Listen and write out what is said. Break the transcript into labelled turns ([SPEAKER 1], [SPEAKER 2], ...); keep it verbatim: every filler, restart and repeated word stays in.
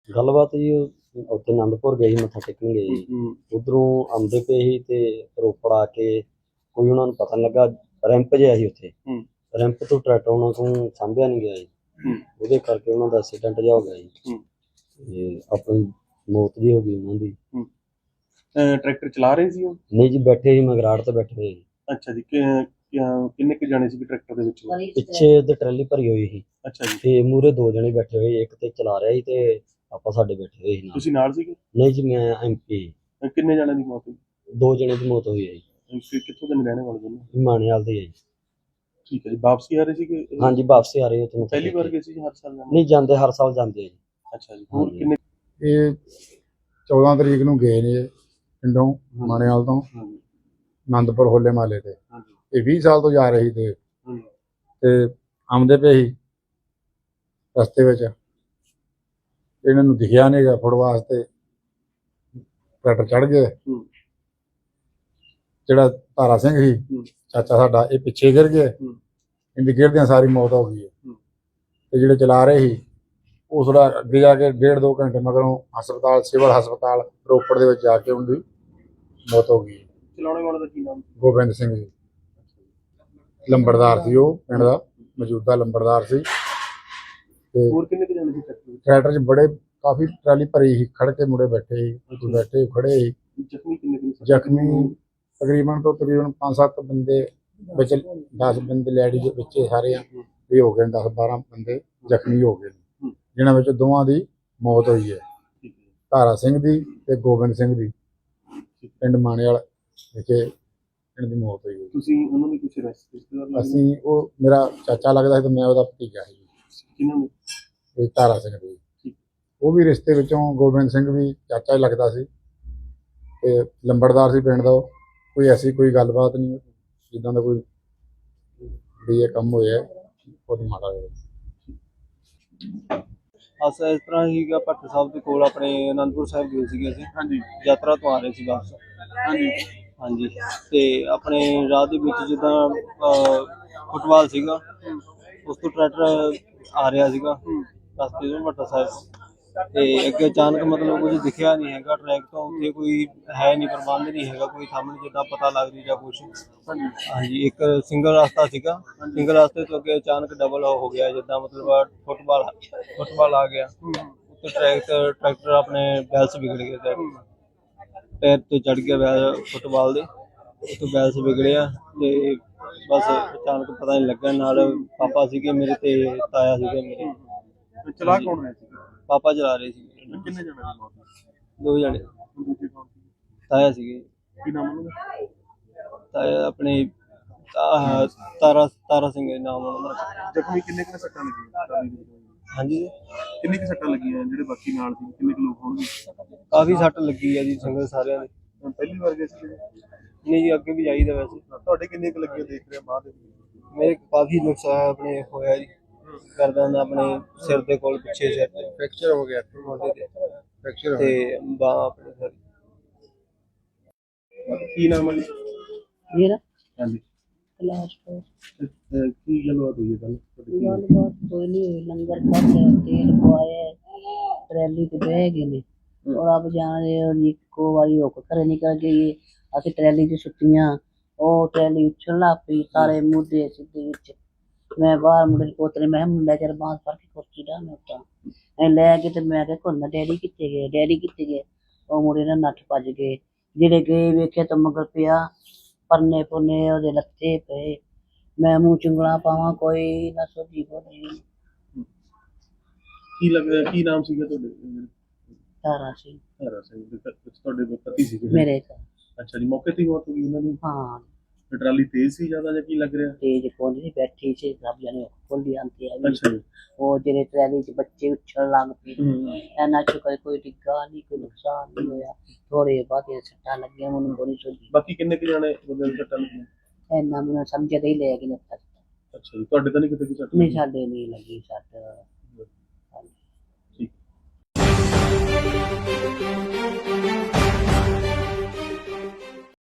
[SPEAKER 1] ਗੱਲਬਾਤ ਜੀ ਉਹ ਉੱਥੇ ਆਨੰਦਪੁਰ ਗਏ ਸੀ, ਮੱਥਾ ਟੇਕਣ ਗਏ ਸੀ। ਉੱਧਰੋਂ ਆਉਂਦੇ ਪਏ ਸੀ ਤੇ ਰੋਪੜ ਆ ਕੇ ਕੋਈ ਉਹਨਾਂ ਨੂੰ ਪਤਾ ਨੀ ਲੱਗਾ, ਰੈਂਪ ਜਿਹਾ ਸੀ ਉੱਥੇ, ਰੈਂਪ ਤੋਂ ਟਰੈਕਟਰ ਉਹਨਾਂ ਤੋਂ ਸਾਂਭਿਆ ਨਹੀਂ ਗਿਆ ਜੀ, ਉਹਦੇ ਕਰਕੇ ਉਹਨਾਂ ਦਾ ਐਕਸੀਡੈਂਟ ਜਿਹਾ ਹੋ ਗਿਆ ਜੀ ਤੇ ਆਪਣੀ ਮੌਤ ਜੀ ਹੋ ਗਈ ਉਹਨਾਂ ਦੀ।
[SPEAKER 2] ਟਰੈਕਟਰ ਚਲਾ ਰਹੇ ਸੀ ਉਹ?
[SPEAKER 1] ਨਹੀਂ ਜੀ, ਬੈਠੇ ਸੀ ਮਗਰਾੜ ਤੇ ਬੈਠੇ ਹੋਏ ਜੀ।
[SPEAKER 2] ਅੱਛਾ ਜੀ, ਕਿੰਨੇ ਕੁ ਜਾਣੇ ਸੀ ਟਰੈਕਟਰ ਦੇ ਵਿੱਚ?
[SPEAKER 1] ਪਿੱਛੇ ਤੇ ਟਰਾਲੀ ਭਰੀ ਹੋਈ ਸੀ।
[SPEAKER 2] ਅੱਛਾ ਜੀ।
[SPEAKER 1] ਤੇ ਮੂਹਰੇ ਦੋ ਜਣੇ ਬੈਠੇ ਹੋਏ, ਇੱਕ ਤੇ ਚਲਾ ਰਿਹਾ ਸੀ ਤੇ ਆਪਾਂ ਸਾਡੇ ਬੈਠੇ ਹੋਏ ਸੀ ਨਾਲ।
[SPEAKER 2] ਤੁਸੀਂ ਨਾਲ ਸੀਗੇ?
[SPEAKER 1] ਨਹੀਂ ਜੀ, ਮੈਂ ਐਮਪੀ।
[SPEAKER 2] ਕਿੰਨੇ ਜਣਿਆਂ ਦੀ ਮੌਤ ਹੋਈ?
[SPEAKER 1] ਦੋ ਜਣੇ ਦੀ ਮੌਤ ਹੋਈ ਹੈ ਜੀ।
[SPEAKER 2] ਕਿੱਥੋਂ ਦੇ ਰਹਿਣੇ ਵਾਲੇ ਦੋਨੋਂ?
[SPEAKER 1] ਮਾਣੇਵਾਲ ਦੇ ਹੈ ਜੀ।
[SPEAKER 2] ਠੀਕ ਹੈ ਜੀ। ਵਾਪਸੀ ਆ ਰਹੇ ਸੀਗੇ?
[SPEAKER 1] ਹਾਂਜੀ, ਵਾਪਸੀ ਆ ਰਹੇ ਹੋ ਤੁਹਾਨੂੰ?
[SPEAKER 2] ਪਹਿਲੀ ਵਾਰ ਗਏ ਸੀ ਹਰ ਸਾਲ?
[SPEAKER 1] ਨਹੀਂ, ਜਾਂਦੇ ਹਰ ਸਾਲ ਜਾਂਦੇ ਆ ਜੀ।
[SPEAKER 2] ਅੱਛਾ ਜੀ। ਹੋਰ ਕਿੰਨੇ?
[SPEAKER 3] ਇਹ ਚੌਦਾਂ ਤਰੀਕ ਨੂੰ ਗਏ ਨੇ ਪਿੰਡੋਂ ਮਾਣੇਵਾਲ ਤੋਂ ਆਨੰਦਪੁਰ ਹੋਲੇ ਮਹੱਲੇ ਤੇ। ਇਹ ਵੀਹ ਸਾਲ ਤੋਂ ਜਾ ਰਹੀ ਤੇ ਤੇ ਆਉਂਦੇ ਪਏ ਸੀ ਰਸਤੇ ਵਿੱਚ, ਇਹਨਾਂ ਨੂੰ ਦਿਖਿਆ ਨਹੀਂ ਗਾ ਫੁੱਟ ਵਾਸਤੇ, ਟਰੈਕਟਰ ਚੜ ਗਏ। ਜਿਹੜਾ ਤਾਰਾ ਸਿੰਘ ਸੀ ਚਾਚਾ ਸਾਡਾ, ਇਹ ਪਿੱਛੇ ਗਿਰ ਗਏ, ਇਹਦੀ ਗਿਰਦਿਆਂ ਸਾਰੀ ਮੌਤ ਹੋ ਗਈ ਹੈ। ਤੇ ਜਿਹੜੇ ਚਲਾ ਰਹੇ ਸੀ ਉਹ ਥੋੜਾ ਅੱਗੇ ਜਾ ਕੇ ਡੇਢ ਦੋ ਘੰਟੇ ਮਗਰੋਂ ਹਸਪਤਾਲ, ਸਿਵਲ ਹਸਪਤਾਲ ਰੋਪੜ ਦੇ ਵਿੱਚ ਜਾ ਕੇ ਉਹਦੀ ਮੌਤ ਹੋ ਗਈ।
[SPEAKER 2] ਚਲਾਉਣੇ ਵਾਲੇ ਦਾ ਕੀ ਨਾਮ?
[SPEAKER 3] ਗੋਬਿੰਦ ਸਿੰਘ ਜੀ, ਲੰਬੜਦਾਰ ਸੀ ਉਹ, ਪਿੰਡ ਦਾ ਮੌਜੂਦਾ ਲੰਬੜਦਾਰ ਸੀ। ਤੇ
[SPEAKER 2] ਹੋਰ ਕਿੰਨੇ ਕੁ ਜਾਣੇ ਸੀ ਟਰੈਕਟਰ?
[SPEAKER 3] ਟਰੈਕਟਰ 'ਚ ਬੜੇ ਕਾਫੀ ਟਰਾਲੀ ਭਰੀ ਸੀ, ਖੜ ਕੇ ਮੁੰਡੇ ਬੈਠੇ ਸੀ, ਬੈਠੇ ਖੜੇ ਸੀ।
[SPEAKER 2] ਜ਼ਖਮੀ ਕਿੰਨੇ ਕੁ?
[SPEAKER 3] ਜ਼ਖਮੀ ਤਕਰੀਬਨ ਤੋਂ ਤਕਰੀਬਨ ਪੰਜ ਸੱਤ ਬੰਦੇ ਵਿੱਚ, ਦਸ ਬੰਦੇ ਲੈਡੀ ਦੇ ਵਿੱਚ ਸਾਰੇ ਇਹ ਹੋ ਗਏ, ਦਸ ਬਾਰਾਂ ਬੰਦੇ ਜ਼ਖਮੀ ਹੋ ਗਏ, ਜਿਨ੍ਹਾਂ ਵਿੱਚ ਦੋਵਾਂ ਦੀ ਮੌਤ ਹੋਈ ਹੈ, ਤਾਰਾ ਸਿੰਘ ਦੀ ਤੇ ਗੋਬਿੰਦ ਸਿੰਘ ਦੀ, ਪਿੰਡ ਮਾਣੇਵਾਲ ਵਿਖੇ ਇਹਨਾਂ ਦੀ ਮੌਤ ਹੋਈ ਹੈ।
[SPEAKER 2] ਤੁਸੀਂ ਉਹਨਾਂ ਨੂੰ ਕੁਝ ਰਿਸ਼ਤੇਦਾਰ?
[SPEAKER 3] ਅਸੀਂ, ਉਹ ਮੇਰਾ ਚਾਚਾ ਲੱਗਦਾ ਸੀ ਤੇ ਮੈਂ ਉਹਦਾ ਭਤੀਜਾ ਸੀ।
[SPEAKER 2] ਕਿਹਨਾਂ ਨੇ?
[SPEAKER 3] ਇਹ ਤਾਰਾ ਸਿੰਘ ਦੀ, ਉਹ ਵੀ ਰਿਸ਼ਤੇ ਵਿੱਚੋਂ, ਗੋਬਿੰਦ ਸਿੰਘ ਵੀ ਚਾਚਾ ਹੀ ਲੱਗਦਾ ਸੀ ਤੇ ਲੰਬੜਦਾਰ ਸੀ ਪਿੰਡ ਦਾ। ਕੋਈ ਐਸੀ ਕੋਈ ਗੱਲਬਾਤ ਨਹੀਂ ਜਿੱਦਾਂ ਦਾ ਕੋਈ ਵੀ ਇਹ ਕੰਮ ਹੋਇਆ ਬਹੁਤ ਮਾੜਾ ਹੋਇਆ।
[SPEAKER 4] ਅਸਾਂ ਇਸ ਤਰ੍ਹਾਂ ਹੀਗਾ, ਭੱਟ ਸਾਹਿਬ ਦੇ ਕੋਲ ਆਪਣੇ ਅਨੰਦਪੁਰ ਸਾਹਿਬ ਗਏ ਸੀਗੇ ਅਸੀਂ।
[SPEAKER 2] ਹਾਂਜੀ।
[SPEAKER 4] ਯਾਤਰਾ ਤੋਂ ਆ ਰਹੇ ਸੀ ਵਾਪਸ।
[SPEAKER 2] ਹਾਂਜੀ
[SPEAKER 4] ਹਾਂਜੀ। ਤੇ ਆਪਣੇ ਰਾਹ ਦੇ ਵਿੱਚ ਜਿੱਦਾਂ ਫੁੱਟਬਾਲ ਸੀਗਾ, ਉਸ ਤੋਂ ਟਰੈਕਟਰ ਆ ਰਿਹਾ ਸੀਗਾ ਰਸਤੇ ਤੋਂ ਭੱਟ ਸਾਹਿਬ, ਤੇ ਅੱਗੇ ਅਚਾਨਕ ਮਤਲਬ ਕੁਝ ਦਿਖਿਆ ਨਹੀਂ ਹੈਗਾ ਟਰੈਕ ਤੋਂ, ਉੱਥੇ ਕੋਈ ਹੈ ਨਹੀਂ, ਪ੍ਰਬੰਧ ਨਹੀਂ ਹੈਗਾ ਕੋਈ ਸਾਹਮਣੇ ਜਿੱਦਾਂ ਪਤਾ ਲੱਗ ਰਹੀ ਜਾਂ ਕੁਛ। ਹਾਂਜੀ। ਇੱਕ ਸਿੰਗਲ ਰਸਤਾ ਸੀਗਾ, ਸਿੰਗਲ ਰਸਤੇ ਤੋਂ ਅੱਗੇ ਅਚਾਨਕ ਡਬਲ ਹੋ ਗਿਆ, ਜਿੱਦਾਂ ਮਤਲਬ ਫੁੱਟਬਾਲ ਫੁੱਟਬਾਲ ਆ ਗਿਆ ਉੱਤੇ। ਟਰੈਕਟਰ ਟਰੈਕਟਰ ਆਪਣੇ ਬੈਲਸ ਵਿਗੜ ਗਏ, ਟਾਇਰ ਤੋਂ ਚੜ ਗਿਆ ਬੈਲ ਫੁੱਟਬਾਲ ਦੇ, ਉੱਤੋਂ ਬੈਲਸ ਵਿਗੜਿਆ ਤੇ ਬਸ ਅਚਾਨਕ ਪਤਾ ਨਹੀਂ ਲੱਗਾ। ਨਾਲ ਪਾਪਾ ਸੀਗੇ ਮੇਰੇ ਤੇ ਤਾਇਆ ਸੀਗੇ ਮੇਰੇ।
[SPEAKER 2] ਚਲਾ ਕੌਣ ਰਿਹਾ ਸੀ?
[SPEAKER 4] ਪਾਪਾ ਚਲਾ ਰਹੇ ਸੀ।
[SPEAKER 2] ਕਿੰਨੇ ਜਣੇ ਦੀ ਮੌਤ?
[SPEAKER 4] ਦੋ ਜਣੇ।
[SPEAKER 2] ਦੂਜੇ ਕੌਣ ਸੀ?
[SPEAKER 4] ਤਾਇਆ ਸੀਗੇ।
[SPEAKER 2] ਕੀ ਨਾਮ ਉਹਨਾਂ ਦਾ?
[SPEAKER 4] ਤਾਇਆ ਆਪਣੇ ਆਹ ਤਾਰਾ ਤਾਰਾ ਸਿੰਘ ਨਾਮ ਉਹਨਾਂ ਦਾ।
[SPEAKER 2] ਜ਼ਖਮੀ ਕਿੰਨੇ ਕੁ ਸੱਟਾਂ ਲੱਗੀਆਂ?
[SPEAKER 4] ਹਾਂਜੀ।
[SPEAKER 2] ਕਿੰਨੀ ਕੁ ਸੱਟਾਂ ਲੱਗੀਆਂ ਜਿਹੜੇ ਬਾਕੀ ਨਾਲ ਸੀ? ਕਿੰਨੇ ਕੁ ਲੋਕ ਹੋਣਗੇ?
[SPEAKER 4] ਕਾਫੀ ਸੱਟ ਲੱਗੀ ਆ ਜੀ ਸੰਗਤ ਸਾਰਿਆਂ ਦੇ।
[SPEAKER 2] ਪਹਿਲੀ ਵਾਰ ਗਏ ਸੀ?
[SPEAKER 4] ਨਹੀਂ ਜੀ, ਅੱਗੇ ਵੀ ਜਾਈਦਾ ਵੈਸੇ।
[SPEAKER 2] ਤੁਹਾਡੇ ਕਿੰਨੇ ਕੁ ਲੱਗੀਆਂ ਦੇਖ ਰਿਹਾ ਬਾਅਦ?
[SPEAKER 4] ਮੇਰੇ ਕਾਫੀ ਨੁਕਸਾਨ ਆਪਣੇ ਹੋਇਆ ਜੀ, ਕਰਦਾ ਆਪਣੇ ਸਿਰ ਦੇ ਕੋਲ, ਪਿੱਛੇ ਸਿਰ ਤੇ
[SPEAKER 3] ਫ੍ਰੈਕਚਰ ਹੋ ਗਿਆ,
[SPEAKER 4] ਮੋਢੇ ਤੇ
[SPEAKER 3] ਫ੍ਰੈਕਚਰ
[SPEAKER 4] ਤੇ ਬਾਂਹ ਆਪਣੇ ਸਾਰੀ।
[SPEAKER 2] ਕੀ ਨਾਮ ਹੈ
[SPEAKER 5] ਮੇਰਾ?
[SPEAKER 2] ਹਾਂਜੀ।
[SPEAKER 5] ਕਲਾਸ ਤੋਂ
[SPEAKER 2] ਕੀ ਗੱਲਬਾਤ ਹੋਈ ਹੈ ਕੱਲ?
[SPEAKER 5] ਗੱਲਬਾਤ ਕੋਈ ਨਹੀਂ ਹੋਈ, ਲੰਗਰ ਖਾਧਾ, ਤੇਲ ਪਵਾਇਆ, ਟਰੈਲੀ ਤੇ ਬਹਿ ਗਏ ਨੇ। ਔਰ ਆਪ ਜਾਣੇ ਉਹਦੀ ਇੱਕੋ ਵਾਰੀ ਹੁੱਕ ਘਰੇ ਨਿਕਲ ਗਈ। ਅਸੀਂ ਟਰੈਲੀ 'ਚ ਸੁੱਤੀਆਂ, ਉਹ ਟਰੈਲੀ ਉੱਛਣ ਲੱਗ ਪਈ, ਸਾਰੇ ਮੁੱਦੇ ਸਿੱਧੇ ਵਿੱਚ। ਮੈਂ ਬਾਹਰ ਮੁੰਡੇ ਪੋਤਰੇ, ਮੈਂ ਮੁੰਡਾ ਚਿਰ ਬਾਂਹ ਫੜ ਕੇ ਕੁਰਸੀ ਡਾ ਮੈਂ ਉੱਤਾਂ ਐ ਲੈ ਕੇ ਤੇ ਮੈਂ ਕਿਹਾ ਕੋਨਾ ਡੈਡੀ ਕਿੱਥੇ ਗਏ, ਡੈਡੀ ਕਿੱਥੇ ਗਏ? ਉਹ ਮੁੰਡੇ ਨਾਲ ਨੱਠ ਭੱਜ ਗਏ। ਜਿਹੜੇ ਗਏ ਵੇਖਿਆ ਤਾਂ ਮਗਰ ਪਿਆ, ਪਰਨੇ ਪੁਰਨੇ ਉਹਦੇ ਲੱਥੇ ਪਏ। ਮੈਂ ਮੂੰਹ ਚੁੰਗਲਾਂ ਪਾਵਾਂ, ਕੋਈ ਨਾ ਸੋਝੀ ਬੋਲੀ।
[SPEAKER 2] ਕੀ ਲੱਗਦਾ ਕੀ ਨਾਮ ਸੀਗਾ ਤੁਹਾਡੇ?
[SPEAKER 5] ਤਾਰਾ ਸਿੰਘ।
[SPEAKER 2] ਤਾਰਾ ਸਿੰਘ। ਤੁਹਾਡੇ ਪਤੀ ਸੀਗੇ?
[SPEAKER 5] ਮੇਰੇ ਘਰ।
[SPEAKER 2] ਅੱਛਾ ਜੀ। ਮੌਕੇ ਤੇ ਹੀ ਮੌਤ ਹੋ ਗਈ ਉਹਨਾਂ ਦੀ?
[SPEAKER 5] ਹਾਂ।
[SPEAKER 2] ਟਰਾਲੀ ਤੇਜ਼ ਸੀ ਜ਼ਿਆਦਾ ਜਾਂ ਕੀ ਲੱਗ ਰਿਹਾ?
[SPEAKER 5] ਤੇਜ਼ ਕੋਲ ਸੀ, ਬੈਠੀ ਸੀ, ਸਭ ਜਣੇ ਖੋਲੀ ਆਂਦੀ ਆ।
[SPEAKER 2] ਅੱਛਾ ਜੀ।
[SPEAKER 5] ਉਹ ਜਿਹੜੇ ਟਰੈਲੀ 'ਚ ਬੱਚੇ ਉੱਛਣ ਲੱਗ ਪਏ, ਇਹਨਾਂ 'ਚ ਕੋਈ ਕੋਈ ਡਿੱਗਾ ਨਹੀਂ, ਕੋਈ ਨੁਕਸਾਨ ਨਹੀਂ ਹੋਇਆ। ਥੋੜੇ ਬਹੁਤੇ ਸੱਟਾਂ ਲੱਗੀਆਂ, ਮੈਨੂੰ ਕੋਈ ਸੋਝੀ।
[SPEAKER 2] ਬਾਕੀ ਕਿੰਨੇ ਕੁ ਜਾਣੇ ਬੰਦੇ ਨੂੰ ਸੱਟਾਂ ਲੱਗੀਆਂ?
[SPEAKER 5] ਇੰਨਾ ਮੈਨੂੰ ਸਮਝ ਤੇ ਹੀ ਲੈ ਕੇ ਨੱਥਾ।
[SPEAKER 2] ਅੱਛਾ ਜੀ। ਤੁਹਾਡੇ ਤਾਂ ਨਹੀਂ ਕਿਤੇ ਕੋਈ ਸੱਟ?
[SPEAKER 5] ਨਹੀਂ, ਸਾਡੇ ਨਹੀਂ ਲੱਗੀ ਸੱਟ।
[SPEAKER 2] ਠੀਕ।